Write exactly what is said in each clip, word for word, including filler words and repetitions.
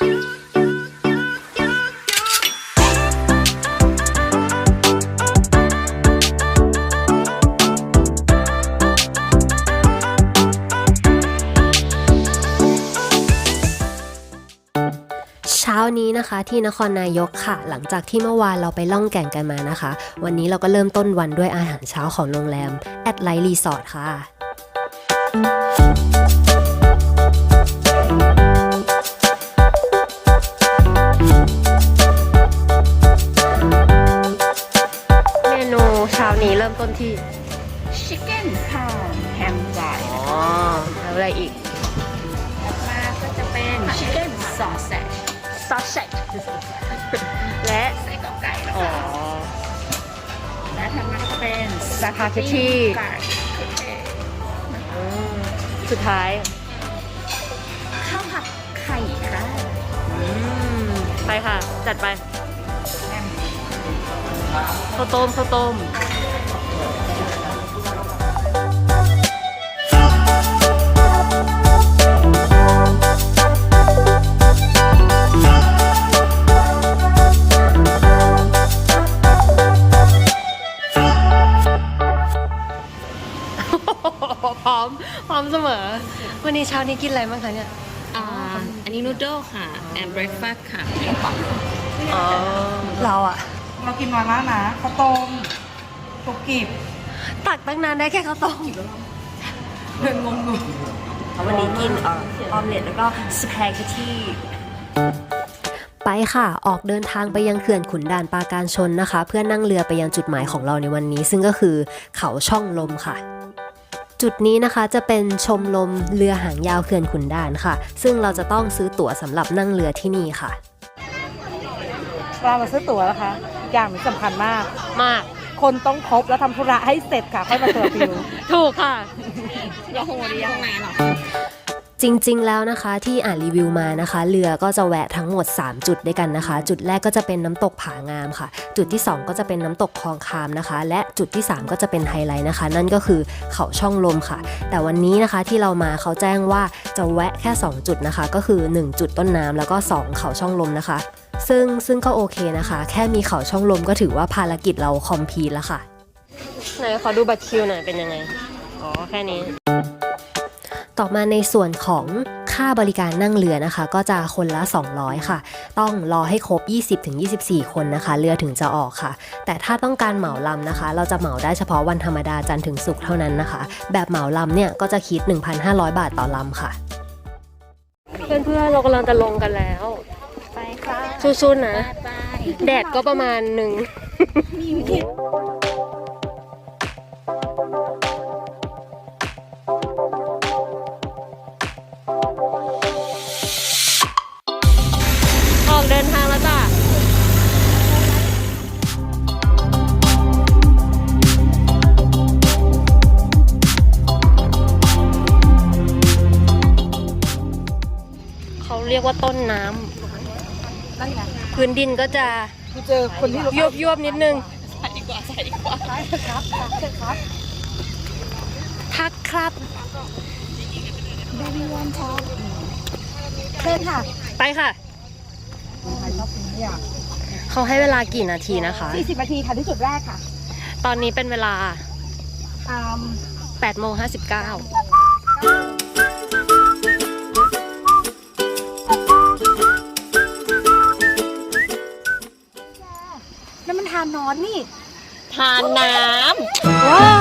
เช้านี้นะคะที่นครนายกค่ะหลังจากที่เมื่อวานเราไปล่องแก่งกันมานะคะวันนี้เราก็เริ่มต้นวันด้วยอาหารเช้าของโรงแรมแอดไลท์รีสอร์ทค่ะเมนูเช้านี้เริ่มต้นที่ Chicken ค่ะแฮมไก่อ๋อแล้วอะไรอีกมาก็จะเป็น Chicken Sausage ซอสเซ็ตและไส้กรอกไก่แล้วอ๋อค่ะและถัดมาก็จะเป็นสปาเกตตี้ไก่โอเคสุดท้ายข้าวผัดไข่ค่ะไปค่ะจัดไปข้าวต้มข้าวต้มพร้อมพร้อมเสมอวันนี้เช้านี้กินอะไรบ้างคะเนี่ยอ่าอันนี้นูโดลค่ะ and breakfast ค่ะกระป๋องอ๋อเราอะเรากินน้อยมากนะข้าวต้มตุกกีบตักตั้งนานได้แค่ข้าวต้มเดินงงงวันนี้กินเอ่อออมเล็ตแล้วก็สปาเกตตี้ไปค่ะออกเดินทางไปยังเขื่อนขุนด่านปราการชนนะคะเพื่อนั่งเรือไปยังจุดหมายของเราในวันนี้ซึ่งก็คือเขาช่องลมค่ะจุดนี้นะคะจะเป็นชมลมเรือหางยาวเขื่อนขุนด่านค่ะซึ่งเราจะต้องซื้อตั๋วสำหรับนั่งเรือที่นี่ค่ะเรามาซื้อตั๋วนะคะอย่างสำคัญมากมากคนต้องครบแล้วทำธุระให้เสร็จค่ะค่อยมาเจอฟิวถูกค่ะอย่าโหดอย่าไหนหรอจริงๆแล้วนะคะที่อ่านรีวิวมานะคะเรือก็จะแวะทั้งหมดสามจุดด้วยกันนะคะจุดแรกก็จะเป็นน้ำตกผางามค่ะจุดที่สองก็จะเป็นน้ำตกคลองคามนะคะและจุดที่สามก็จะเป็นไฮไลท์นะคะนั่นก็คือเขาช่องลมค่ะแต่วันนี้นะคะที่เรามาเขาแจ้งว่าจะแวะแค่สองจุดนะคะก็คือหนึ่งจุดต้นน้ำแล้วก็สองเขาช่องลมนะคะซึ่งซึ่งก็โอเคนะคะแค่มีเขาช่องลมก็ถือว่าภารกิจเราคอมพลีทแล้วค่ะไหนขอดูบัตรคิวหน่อยเป็นยังไงอ๋อแค่นี้ต่อมาในส่วนของค่าบริการนั่งเรือนะคะก็จะคนละสองร้อยค่ะต้องรอให้ครบ ยี่สิบถึงยี่สิบสี่ คนนะคะเรือถึงจะออกค่ะแต่ถ้าต้องการเหมาลำนะคะเราจะเหมาได้เฉพาะวันธรรมดาจันทร์ถึงศุกร์เท่านั้นนะคะแบบเหมาลำเนี่ยก็จะคิด หนึ่งพันห้าร้อย บาทต่อลำค่ะเพื่อนๆเรากำลังจะลงกันแล้วไปค่ะสู้ๆนะไปแดดก็ประมาณหนึ่งออกเดินทางแล้วจ้ะเขาเรียกว่าต้นน้ำพื้นดินก็จะกูเจอคนที่ยวบยวบๆนิดนึงใส่ดีกว่าใส่ดีกว่าครับครับทักครับเบบี้วันช็อปเชิญค่ะไปค่ะใครชอบกินเนี่ยเขาให้เวลากี่นาทีนะคะสี่สิบนาทีค่ะที่จุดแรกค่ะตอนนี้เป็นเวลาอืมแปดโมงห้าสิบเก้านั่นมันทานนอนนี่ทานน้ว้า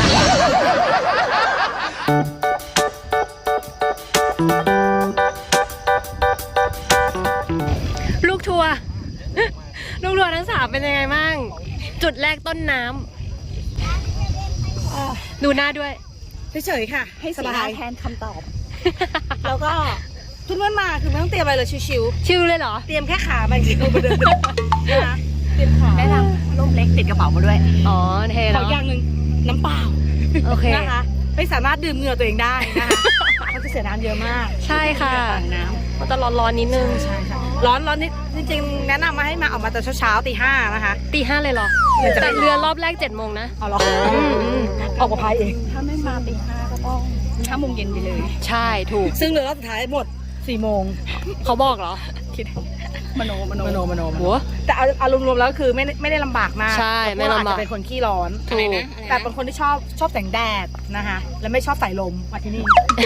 ลูกทัวร์ ลูกทัวร์ทั้งสามเป็นยังไงบ้าง จุดแรกต้นน้ำดูหน้าด้วยเฉยๆค่ะำให้สสีหบาน้าย แทนคำตอบแล้วก็เพื่อนๆมาคือไม่ต้องเตรียมอะไรเลยชิวชิลเลยเหรอๆเตรียมแค่ขามาจริงๆมาเดินนะคะเตรียมขาแนะนำร่มเล็กติดกระเป๋ามาด้วยอ๋อเทขแล้อวอย่างหนึ่งน้ำเปล่าโอเคนะคะไม่สามารถดื่มเหงื่อตัวเองได้นะคะเขาจะเสียน้ำเยอะมากใช่ค่ะน้มันจะร้อนๆนิดนึงใช่ค่ะร้อนร้อนนิดจริงๆ แนะนำมาให้มาออกมาแต่เช้าๆตีห้านะคะตีห้าเลยเหรอเดี๋ยวจะไปแต่เรือรอบแรกเจ็ดโมงนะเอาหรออืมอืมออกมาพายเองำถ้าไม่มาตีห้าก็ต้องห้าโมงเย็นไปเลยใช่ถูกซึ่งเรือรอบสุดท้ายหมดสี่โมงเขาบอกเหรอคิดมโนมโนมโนมโนหัวแต่เอาเอารวมๆแล้วคือไม่ได้ไม่ได้ลำบากมากใช่ไม่ลำบากเพระว่อจจะเป็นคนขี้ร้อนถูกแต่เป็นคนที่ชอบชอบแสงแดดนะคะและไม่ชอบสายลมมาที่นี่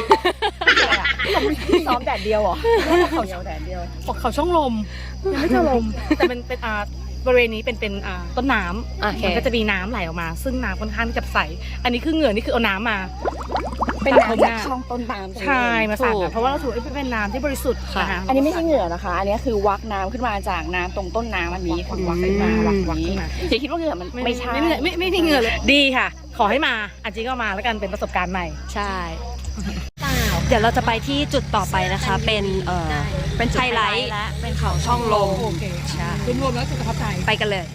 ซ้อมแดดเดียวเหรอเขาเดียวแดดเดียวบอกเขาช่องลมยังไม่เจอลมแต่เป็นเป็นอ่าบริเวณนี้เป็นเป็นอ่าต้นน้ำโอเคมันก็จะมีน้ำไหลออกมา ซึ่งน้ำค่อนข้างที่จะใสอันนี้คือเหงื่อนี่คือเอาน้ำมาเป็นตัดผมน้ำจากหช่องต้นน้ำตรงนี้ใช่มาสาดถูกกันเพราะว่าเราถือว่าเป็นน้ำที่บริสุทธิ์นะคะอันนี้ไม่ใช่เหงื่อนะคะ อันนี้คือวักน้ำขึ้นมาจากน้ำตรงต้นน้ำอันนี้คือวักขึ้นมาวักวักขึ้นมาเดี๋ยวคิดว่าเหงื่อมันไม่ใช่ไม่เหนื่อยไม่ไม่มีเหงื่อเลยดีค่ะ ขอให้มาอาจีก็มาแล้วกันเป็นประสบการณ์ใหม่ใช่ เดี๋ยวเราจะไปที่จุดต่อไปนะคะ เป็นเอ่อเป็นไฮไลท์และเป็นเขาช่องลมโอเคใช่รวมๆแล้วสุขภาพใจไปกันเลย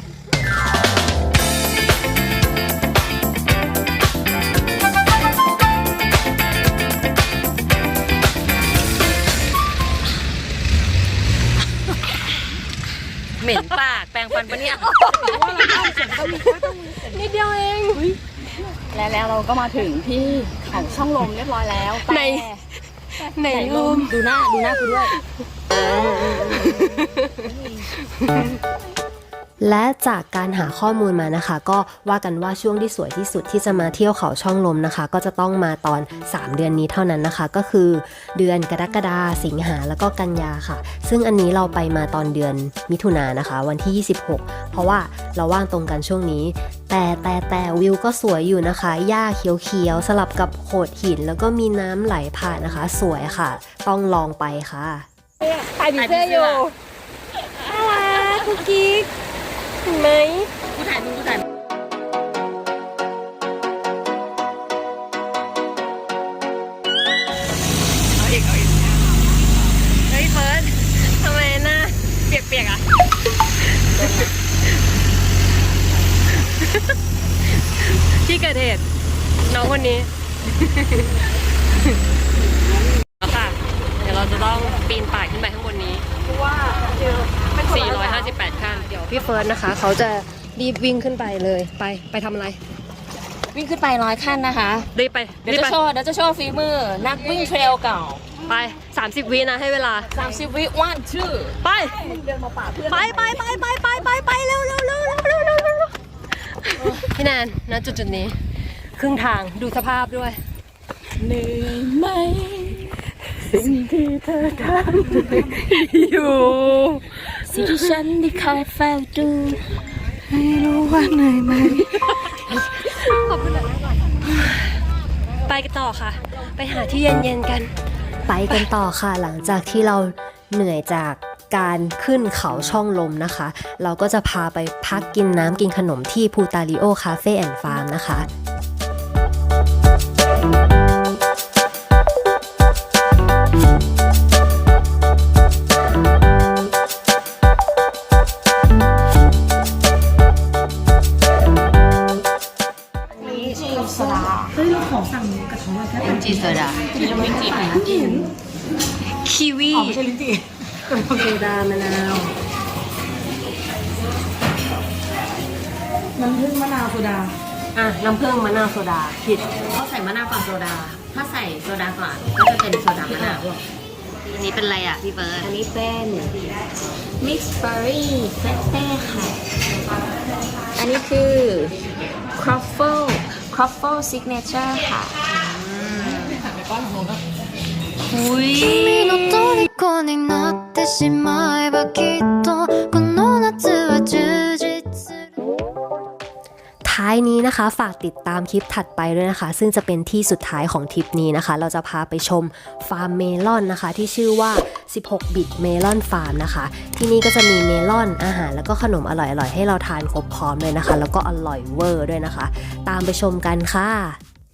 เหม็นปากแปรงฟันปะเนี่ยนิดเดียวเองและแล้วเราก็มาถึงที่เขาช่องลมเรียบร้อยแล้วแต่ในในรูมดูหน้าดูหน้ากูด้วยและจากการหาข้อมูลมานะคะ ก็ว่ากันว่าช่วงที่สวยที่สุดที่จะมาเที่ยวเขาช่องลมนะคะ ก็จะต้องมาตอนสามเดือนนี้เท่านั้นนะคะ ก็คือเดือนกรกฎาสิงหาแล้วก็กันยาค่ะ ซึ่งอันนี้เราไปมาตอนเดือนมิถุนายนนะคะ วันที่ยี่สิบหกเพราะว่าเราว่างตรงกันช่วงนี้ แต่แต่แต่วิวก็สวยอยู่นะคะหญ้าเขียวๆสลับกับโขดหินแล้วก็มีน้ำไหลผ่านนะคะ สวยค่ะ ต้องลองไปค่ะถ่ายผีเสื้ออยู่น่ารักกุ๊กกิ๊กเห็นไหมกูถ่ายมึงกูถ่ายเอาอีกเอาอีกเฮ้ยเฟิร์สทำไมหน้าเปียกๆอ่ะ ที่เกิดเหตุน้องคนนี้ แล้วค่ะ เดี๋ยวเราจะต้องปีนป่ายขึ้นไปข้างบนนี้เพราะว่าเจอเป็นคนสี่ละร้อยห้าสิบแปดขั้นเดี๋ยวพี่เฟิร์สนะคะ เขาจะรีบวิ่งขึ้นไปเลยไปไปทำอะไรวิ่งขึ้นไปร้อยขั้นนะคะรีบไปเดี๋ยวรีบจะไปโชว์เดี๋ยวจะโชว์ฝีมือ นักวิ่งเทรลเก่าไปสามสิบวินะให้เวลาสามสิบวิวันชื่อไปไปไปไปไปไปไปไปเร็วเร็วเร็วเร็วเร็วเร็วเร็วพี่แนนณจุดจุดนี้ ครึ่งทางดูสภาพด้วยเหนื่อยไหมสิ่งที่เธอทำอยู่สิ่งที่ฉันได้คอยเฝ้าดูไม่รู้ว่าเหนื่อยไหมขอบคุณนะไปกันต่อค่ะ ไปหาที่เย็นๆกัน ไปกันต่อค่ะหลังจากที่เราเหนื่อยจากการขึ้นเขาช่องลมนะคะ เราก็จะพาไปพักกินน้ำกินขนมที่พูตาริโอคาเฟ่แอนด์ฟาร์มนะคะจีโซดาคีวีไม่ใช่ลิ้นจี่โซดามะนาวน้ำผึ้งมะนาวโซดาอ่ะ น้ำผึ้งมะนาวโซดาผิดเขาใส่มะนาวก่อนโซดา ถ้าใส่โซดาก่อนก็จะเป็นโซดามะนาว อันนี้เป็นอะไรอ่ะพี่เบิร์ดอันนี้เป็นมิกซ์เบอร์รี่เฟสเต้ค่ะ อันนี้คือครอฟเฟิลครอฟเฟิลซิกเนเจอร์ค่ะอุ้ย君の虜になってしまえばきっとこの夏は充実するท้ายนี้นะคะฝากติดตามคลิปถัดไปด้วยนะคะ ซึ่งจะเป็นที่สุดท้ายของทริปนี้นะคะ เราจะพาไปชมฟาร์มเมลอนนะคะ ที่ชื่อว่าสิบหกบิตเมลอนฟาร์มนะคะ ที่นี่ก็จะมีเมลอนอาหารแล้วก็ขนมอร่อยๆให้เราทานครบพร้อมเลยนะคะ แล้วก็อร่อยเวอร์ด้วยนะคะ ตามไปชมกันค่ะ